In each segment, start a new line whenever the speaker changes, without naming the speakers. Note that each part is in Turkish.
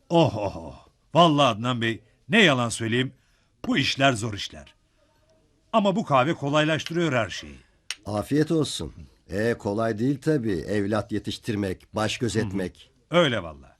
Oh oh oh. Vallahi Adnan Bey, ne yalan söyleyeyim, bu işler zor işler. Ama bu kahve kolaylaştırıyor her şeyi.
Afiyet olsun. Kolay değil tabii. Evlat yetiştirmek, baş gözetmek.
Öyle vallahi.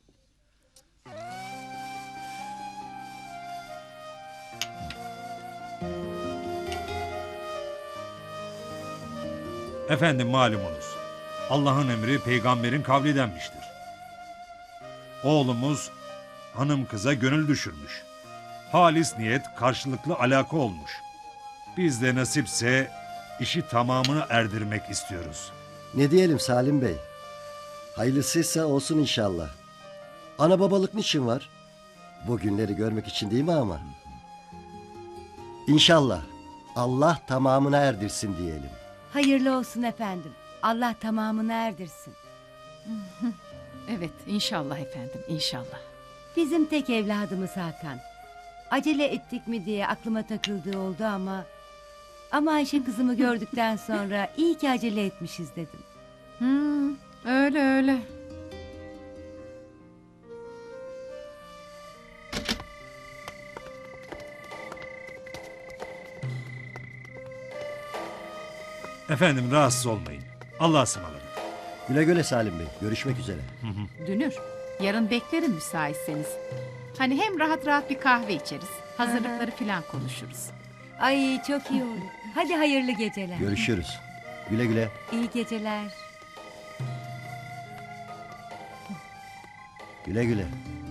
Efendim malumunuz, Allah'ın emri peygamberin kavli denmiştir. Oğlumuz hanım kıza gönül düşürmüş. Halis niyet karşılıklı alaka olmuş. Biz de nasipse işi tamamını erdirmek istiyoruz.
Ne diyelim Salim Bey? Hayırlısıysa olsun inşallah. Ana babalık niçin var? Bu günleri görmek için değil mi ama? İnşallah. Allah tamamına erdirsin diyelim.
Hayırlı olsun efendim. Allah tamamını erdirsin.
Evet, inşallah efendim, inşallah.
Bizim tek evladımız Hakan. Acele ettik mi diye aklıma takıldığı oldu ama... Ama Ayşe kızımı gördükten sonra iyi ki acele etmişiz dedim.
Öyle öyle.
Efendim rahatsız olmayın. Allah'a ısmarladık.
Güle güle Salim Bey. Görüşmek üzere.
Dünür, yarın beklerim müsaitseniz. Hani hem rahat rahat bir kahve içeriz, hazırlıkları falan konuşuruz.
Ay çok iyi olur. Hadi hayırlı geceler.
Görüşürüz. Güle güle.
İyi geceler.
Güle güle.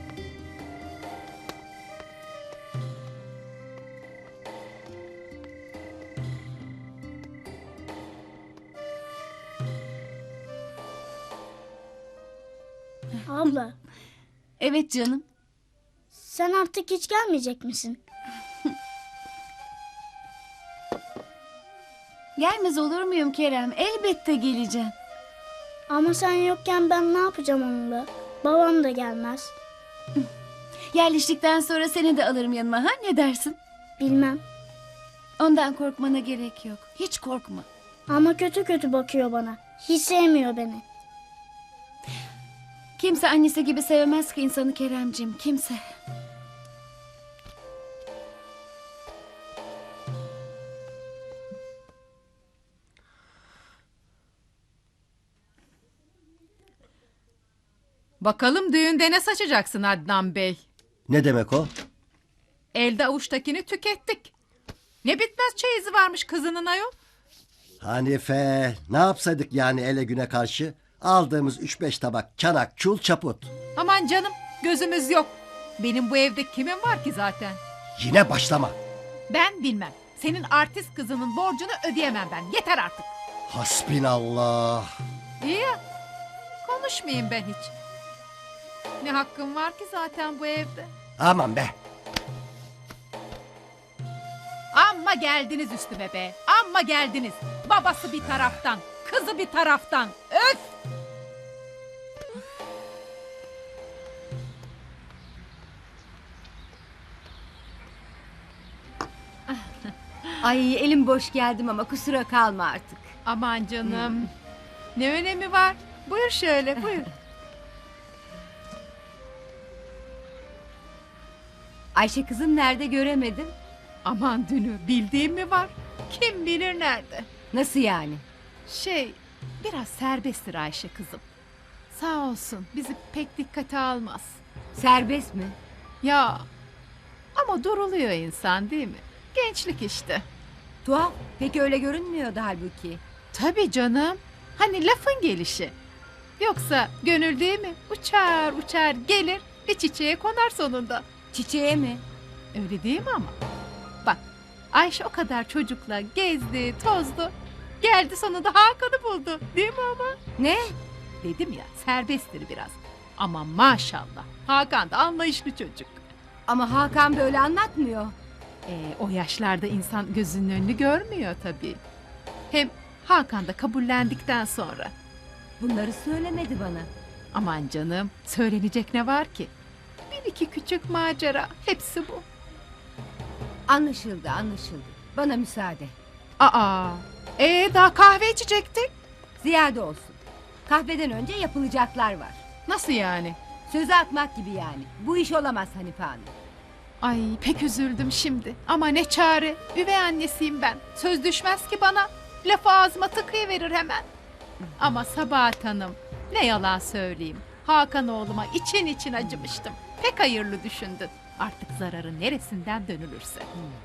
Abla,
Evet canım.
sen artık hiç gelmeyecek misin?
Gelmez olur muyum Kerem? Elbette geleceğim.
Ama sen yokken ben ne yapacağım onunla? Babam da gelmez.
Yerleştikten sonra seni de alırım yanıma, ha? Ne dersin?
Bilmem.
Ondan korkmana gerek yok. Hiç korkma.
Ama kötü kötü bakıyor bana. Hiç sevmiyor beni.
Kimse annesi gibi sevmez ki insanı Keremcim, kimse.
Bakalım düğünde ne saçacaksın Adnan Bey?
Ne demek o?
Elde avuçtakini tükettik. Ne bitmez çeyizi varmış kızının ayol.
Hanife, ne yapsaydık yani ele güne karşı? Aldığımız 3-5 tabak çanak, çul, çaput.
Aman canım, gözümüz yok. Benim bu evde kimin var ki zaten?
Yine başlama.
Ben bilmem. Senin artist kızının borcunu ödeyemem ben. Yeter artık.
Hasbinallah.
İyi ya. Konuşmayayım ben hiç. Ne hakkım var ki zaten bu evde?
Aman be.
Amma geldiniz üstüme be. Amma geldiniz. Babası bir taraftan, kızı bir taraftan. Öf!
Ay elim boş geldim ama kusura kalma artık.
Aman canım. Ne önemi var? Buyur şöyle, buyur.
Ayşe kızım nerede göremedim?
Aman Dünü, bildiğim mi var? Kim bilir nerede?
Nasıl yani?
Biraz serbesttir Ayşe kızım. Sağ olsun, bizi pek dikkate almaz.
Serbest mi?
Ya, ama duruluyor insan değil mi? Gençlik işte.
Tuhaf. Pek öyle görünmüyordu halbuki.
Tabii canım. Hani lafın gelişi. Yoksa gönül değil mi? Uçar uçar gelir, bir çiçeğe konar sonunda.
Çiçeğe mi?
Öyle değil mi ama? Bak, Ayşe o kadar çocukla gezdi, tozdu. Geldi sonunda Hakan'ı buldu. Değil mi ama?
Ne?
Dedim ya, serbesttir biraz. Ama maşallah, Hakan da anlayışlı çocuk.
Ama Hakan böyle anlatmıyor.
O yaşlarda insan gözünün önünü görmüyor tabii. Hem Hakan da kabullendikten sonra.
Bunları söylemedi bana.
Aman canım, söylenecek ne var ki? Bir iki küçük macera, hepsi bu.
Anlaşıldı anlaşıldı. Bana müsaade.
Aa, daha kahve içecektik.
Ziyade olsun. Kahveden önce yapılacaklar var.
Nasıl yani?
Sözü atmak gibi yani. Bu iş olamaz Hanife Hanım.
Ay pek üzüldüm şimdi. Ama ne çare. Üvey annesiyim ben. Söz düşmez ki bana. Lafı ağzıma tıkayıverir hemen. Ama Sabahat Hanım, ne yalan söyleyeyim. Hakan oğluma için için acımıştım. Pek hayırlı düşündün. Artık zararı neresinden dönülürse.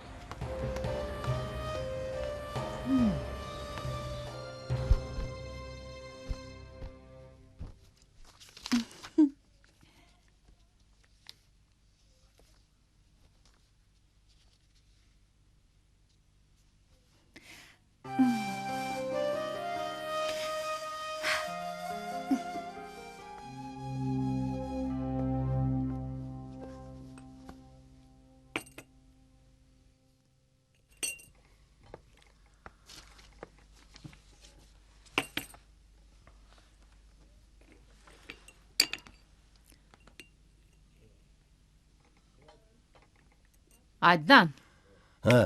Adnan,
Ha,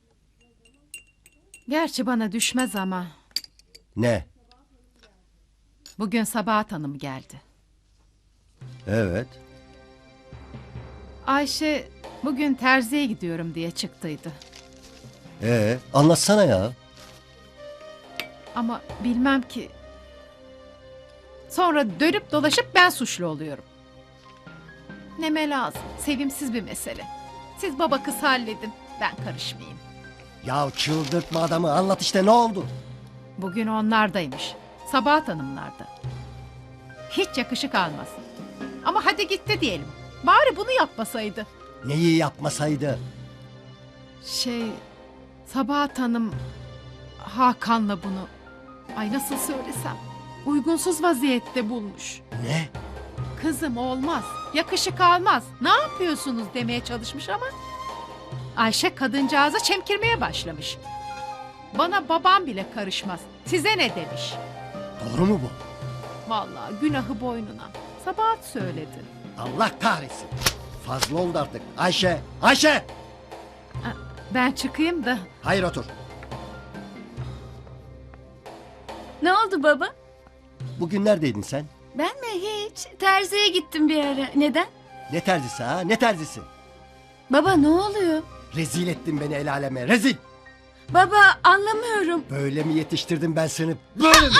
gerçi bana düşmez ama
ne?
bugün Sabahat Hanım geldi.
Evet.
Ayşe bugün terziye gidiyorum diye çıktıydı.
Anlatsana ya.
Ama bilmem ki. Sonra dönüp dolaşıp ben suçlu oluyorum. Neme lazım. Sevimsiz bir mesele. Siz baba kız halledin. Ben karışmayayım.
Ya çıldırtma adamı, anlat işte, ne oldu?
Bugün onlardaymış. Sabahat Hanımlarda. Hiç yakışık almaz. Ama hadi gitti diyelim. Bari bunu yapmasaydı.
Neyi yapmasaydı?
Sabahat Hanım Hakan'la bunu, ay nasıl söylesem, uygunsuz vaziyette bulmuş.
Ne?
Kızım olmaz, yakışık almaz, ne yapıyorsunuz demeye çalışmış ama Ayşe kadıncağıza çemkirmeye başlamış. Bana babam bile karışmaz, size ne demiş.
Doğru mu bu?
Vallahi günahı boynuna. Sabahat söyledi.
Allah kahretsin. Fazla oldu artık. Ayşe! Ayşe!
Ben çıkayım da.
Hayır, otur.
Ne oldu baba?
Bugün neredeydin sen?
Ben mi hiç? Terziye gittim bir ara. Neden?
Ne terzisi ha? Ne terzisi?
Baba ne oluyor?
Rezil ettin beni el aleme. Rezil!
Baba anlamıyorum.
Böyle mi yetiştirdim ben seni? Böyle mi?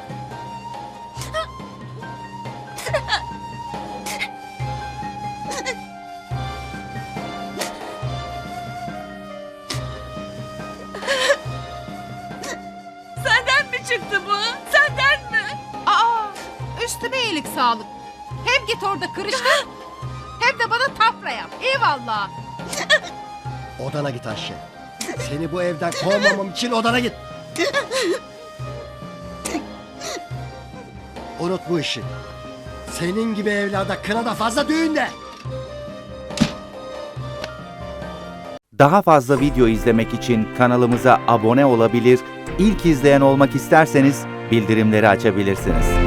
Senden mi çıktı bu? Senden mi?
Aa, üstüme iyilik sağlık. Hem git orada kırıştır, hem de bana tafra yap. Eyvallah.
Odana git Ayşe. Seni bu evden kovmamam için odana git. Unut bu işi. Senin gibi evlarda kınada fazla düğünde.
Daha fazla video izlemek için kanalımıza abone olabilir, ilk izleyen olmak isterseniz bildirimleri açabilirsiniz.